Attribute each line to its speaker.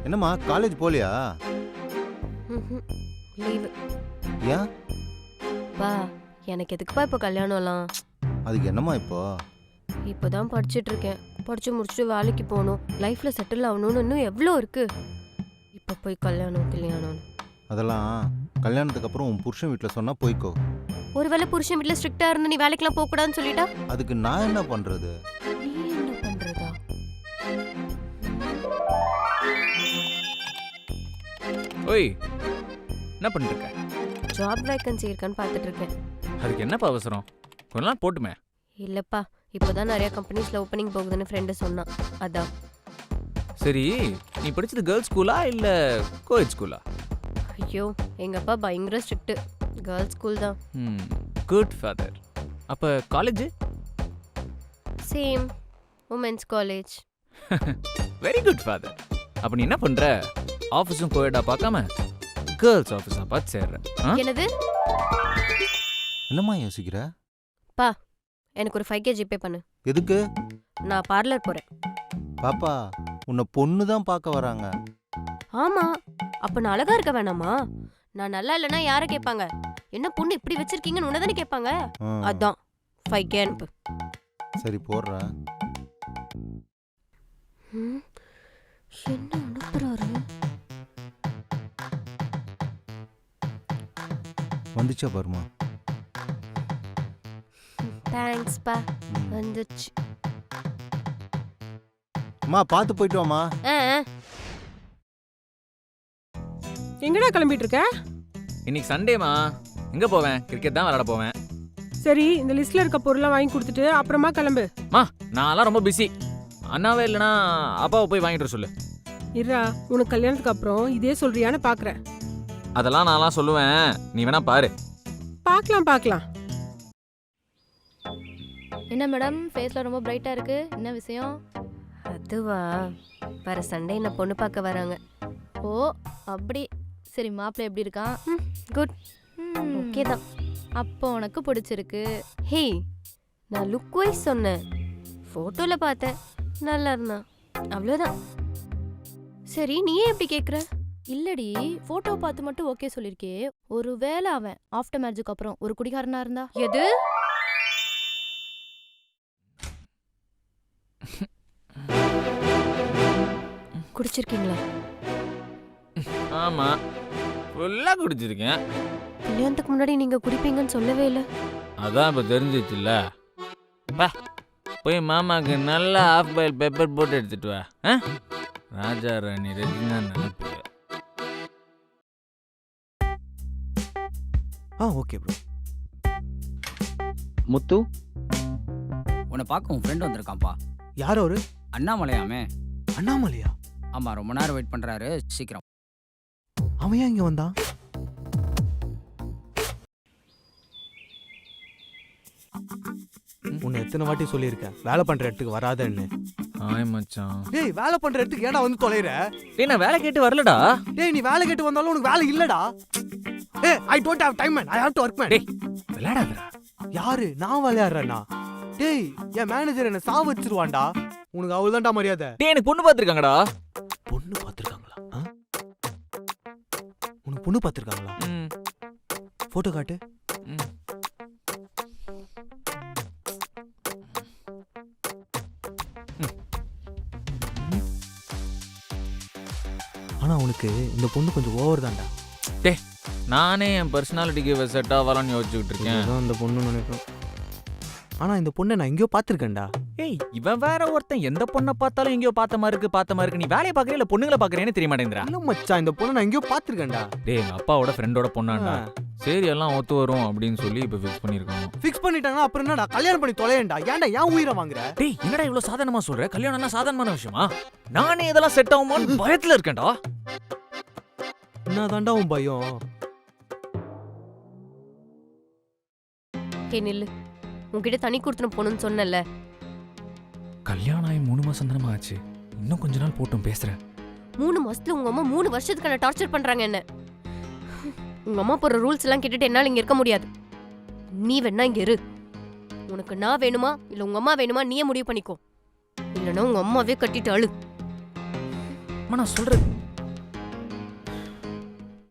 Speaker 1: என்னம்மா காலேஜ் போலியா?
Speaker 2: லீவு.
Speaker 1: ஏன்?
Speaker 2: பா எனக்கு எதுக்குப்பா இப்போ கல்யாணம்லாம்?
Speaker 1: அதுக்கு என்னம்மா இப்போ?
Speaker 2: இப்போதான் படிச்சுட்டு இருக்கேன். படிச்சு முடிச்சுட்டு வேலைக்கு போகணும், லைஃப்ல செட்டில் ஆகணும்னு இன்னும் எவ்வளோ இருக்கு. இப்போ போய் கல்யாணம்.
Speaker 1: அதெல்லாம் கல்யாணத்துக்கு அப்புறம் உன் புருஷன் வீட்டில் சொன்னா போய்க்கோ.
Speaker 2: ஒருவேளை புருஷன் வீட்டில் ஸ்ட்ரிக்டா இருந்து நீ வேலைக்கெல்லாம் போக கூடாதுன்னு சொல்லிட்டா
Speaker 1: அதுக்கு நான் என்ன பண்றது?
Speaker 2: நீ என்ன பண்றதா?
Speaker 3: ஓய், என்ன பண்ணிட்டு இருக்க?
Speaker 2: ஜாப் வேக்கன்சி இருக்கான்னு பார்த்துட்டு இருக்கேன்.
Speaker 3: அதுக்கு என்னப்பா அவசரம்? கொஞ்ச நாள் போட்டுமே.
Speaker 2: இல்லப்பா, இப்போதான் நிறைய கம்பெனிஸ்ல ஓப்பனிங் போகுதுன்னு ஃப்ரெண்டு சொன்னான், அதான்.
Speaker 3: சரி, நீ படிச்சது கேர்ள்ஸ் ஸ்கூலா இல்ல கோஎட் ஸ்கூலா?
Speaker 2: ஐயோ, எங்க அப்பா பயங்கர ஸ்ட்ரிக்ட். கேர்ள்ஸ் ஸ்கூல் தான்.
Speaker 3: Good father. அப்ப college?
Speaker 2: Same, women's college.
Speaker 3: Very good father. அப்ப நீ என்ன பண்ற? ஆஃபீஸும் கோஎட்டா பார்க்காம கேர்ள்ஸ் ஆஃபீஸா பார்த்து சேர்ற.
Speaker 2: என்னது?
Speaker 1: என்னம்மா யோசிக்கிற?
Speaker 2: பா, எனக்கு ஒரு 5K ஜிபே பண்ணு.
Speaker 1: எதுக்கு?
Speaker 2: நான் பார்லர் போறேன்.
Speaker 1: பாப்பா, உன்னை பொண்ணு தான் பார்க்க வராங்க.
Speaker 2: ஆமா, அப்ப நான் அழகா இருக்க வேணாமா? நான் நல்லா இல்லைன்னா யாரை கேட்பாங்க? என்ன பொண்ணு இப்படி வச்சிருக்கீங்கன்னு உன்னதானே கேட்பாங்க. அதான் 5K அனுப்பு.
Speaker 1: சரி போடுறேன்.
Speaker 2: என்ன அனுப்புறாரு?
Speaker 1: வந்துச்சா பாருமா.
Speaker 2: தேங்க்ஸ் பா, வந்துச்சு.
Speaker 1: அம்மா பார்த்து போயிட்டு வாமா.
Speaker 4: எங்கடா கிளம்பிட்டு இருக்க?
Speaker 3: இன்னைக்கு சண்டேமா, எங்க போவேன்? கிரிக்கெட் தான் விளையாட போவேன்.
Speaker 4: சரி, இந்த லிஸ்ட்ல இருக்க பொருள்லாம் வாங்கி கொடுத்துட்டு அப்புறமா கிளம்பு.
Speaker 3: நான்லாம் ரொம்ப பிஸி. அண்ணாவே இல்லைனா அப்பாவை போய் வாங்கிட்டு வர சொல்லு.
Speaker 4: இருடா, உனக்கு கல்யாணத்துக்கு அப்புறம் இதே சொல்றியான்னு பாக்குறேன்.
Speaker 3: அதெல்லாம் நான்லாம் சொல்லுவேன், நீ வேணா பாரு.
Speaker 4: பார்க்கலாம்.
Speaker 5: என்ன மேடம், ஃபேஸ்ல ரொம்ப பிரைட்டா இருக்கு, என்ன விஷயம்?
Speaker 2: அதுவா, வர சண்டே என்ன பொண்ணு பார்க்க வராங்க.
Speaker 5: ஓ அப்படி. சரி, மாப்பிள்ளை எப்படி இருக்கான்?
Speaker 2: குட், ஓகே தான்.
Speaker 5: அப்போ உனக்கு பிடிச்சிருக்கு.
Speaker 2: ஹே, நான் லுக் வைஸ் சொன்னேன். ஃபோட்டோல பார்த்தேன், நல்லா இருந்தான், அவ்வளோதான். சரி, நீ ஏன் எப்படி கேட்குற?
Speaker 5: இல்லடி, போட்டோ பார்த்து மட்டும் ஓகே சொல்லிருக்கே. ஒருவேளை அவன் ஆஃப்டர் மேரேஜுக்கு அப்புறம் ஒரு குடிகாரனா இருந்தா?
Speaker 2: எது? குடிச்சிருக்கீங்களா?
Speaker 3: ஆமா, ஃபுல்லா குடிச்சிருக்கேன்.
Speaker 2: கல்யாணத்துக்கு முன்னாடி நீங்க குடிப்பீங்கன்னு சொல்லவே இல்லை.
Speaker 3: அதான் இப்ப தெரிஞ்சிச்சுல்ல. போய் மாமாக்கு நல்லா ஆஃப் பாயில் பெப்பர் போட்டு எடுத்துட்டு வா. ராஜா ராணி ரெஜினா நினைப்பு.
Speaker 6: Okay bro.
Speaker 7: முத்து, உன்னை பார்க்க உன் ஃப்ரெண்ட் வந்திருக்கான்ப்பா.
Speaker 6: யார் அவரு?
Speaker 7: அண்ணாமலையாமே.
Speaker 6: அண்ணாமலையா?
Speaker 7: ஆமா, ரொம்ப நேரம் வெயிட் பண்றாரு, சீக்கிரம்.
Speaker 6: அவன் ஏன் இங்க வந்தான்? உன்னை எத்தனை வாட்டி சொல்லியிருக்கேன் வேலை பண்ற இடத்துக்கு வராதன்னு.
Speaker 3: ஆய் மச்சான்.
Speaker 6: டேய், வேலை பண்ற இடத்துக்கு ஏன்டா வந்து தொலைற?
Speaker 3: டேய், நான் வேலை கேட்டு வரலடா.
Speaker 6: டேய், நீ வேலை கேட்டு வந்தாலும் உனக்கு வேலை இல்லடா. ஏய், I don't have time man, I have to work man.
Speaker 3: டேய், விளையாடாதடா.
Speaker 6: யாரு? நான் விளையாடுறேனா? டேய், என் மேனேஜர் என்ன சாவ வச்சிருவான்டா. உனக்கு அவ்வளவுதான்டா மரியாதை.
Speaker 3: டேய், எனக்கு பொண்ணு பார்த்திருக்காங்கடா.
Speaker 6: பொண்ணு பார்த்திருக்காங்களா? உனக்கு பொண்ணு பார்த்திருக்காங்களா? போட்டோ காட்டு. ஆனா உனக்கு இந்த பொண்ணு கொஞ்சம் ஓவர் தான்டா.
Speaker 3: டேய், நானே என் பர்சனாலிட்டிக்கு செட் ஆகலான்னு யோசிச்சுக்கிட்டு இருக்கேன்.
Speaker 6: அந்த பொண்ணு நினைப்பேன். ஆனா இந்த பொண்ணை நான் எங்கேயோ பார்த்திருக்கேன்டா.
Speaker 3: ஏய், இவன் வேற ஒருத்தன் எந்த பொண்ணை பார்த்தாலும் எங்கேயோ பார்த்த மாதிரி இருக்கு. நீ வேலையை பார்க்கறியா இல்ல பொண்ணுங்களை பார்க்கறியான்னு தெரிய மாட்டேங்கிறா.
Speaker 6: இல்ல மச்சான், இந்த பொண்ணை நான் எங்கேயோ பார்த்திருக்கேன்டா.
Speaker 3: டேய், எங்க அப்பாவோட ஃப்ரெண்டோட பொண்ணாண்டா. சரி, எல்லாம் ஒத்து வரும் அப்படின்னு சொல்லி இப்ப ஃபிக்ஸ் பண்ணிருக்காங்க.
Speaker 6: ஃபிக்ஸ் பண்ணிட்டாங்கன்னா அப்புறம் என்னடா, கல்யாணம் பண்ணி தொலையேன்டா. ஏன்டா ஏன் உயிரை வாங்குற?
Speaker 3: டேய், என்னடா இவ்வளவு சாதாரணமா சொல்ற? கல்யாணம்னா சாதாரணமான விஷயமா? நானே இதெல்லாம் செட் ஆகுமான்னு பயத்துல இருக்கேன்டா.
Speaker 6: என்னதான்டா உன் பயம்?
Speaker 2: ஹே நில்லு, உன்கிட்ட தனி கொடுத்துன போகணும்னு சொன்னல.
Speaker 3: கல்யாணம் ஆகி 3 மாசம் தானமா ஆச்சு. இன்னும் கொஞ்ச நாள் போட்டும் பேசுறேன்.
Speaker 2: 3 மாசத்துல உங்க அம்மா 3 வருஷத்துக்கான டார்ச்சர் பண்றாங்க என்ன. உங்க அம்மா போற ரூல்ஸ் எல்லாம் கேட்டுட்டு என்னால இங்க இருக்க முடியாது. நீ வேணா இங்க இரு. உனக்கு நான் வேணுமா இல்ல உங்க அம்மா வேணுமா நீயே முடிவு பண்ணிக்கோ. இல்லைன்னா உங்க அம்மாவே கட்டிட்டு அழு.
Speaker 3: நான் சொல்றேன்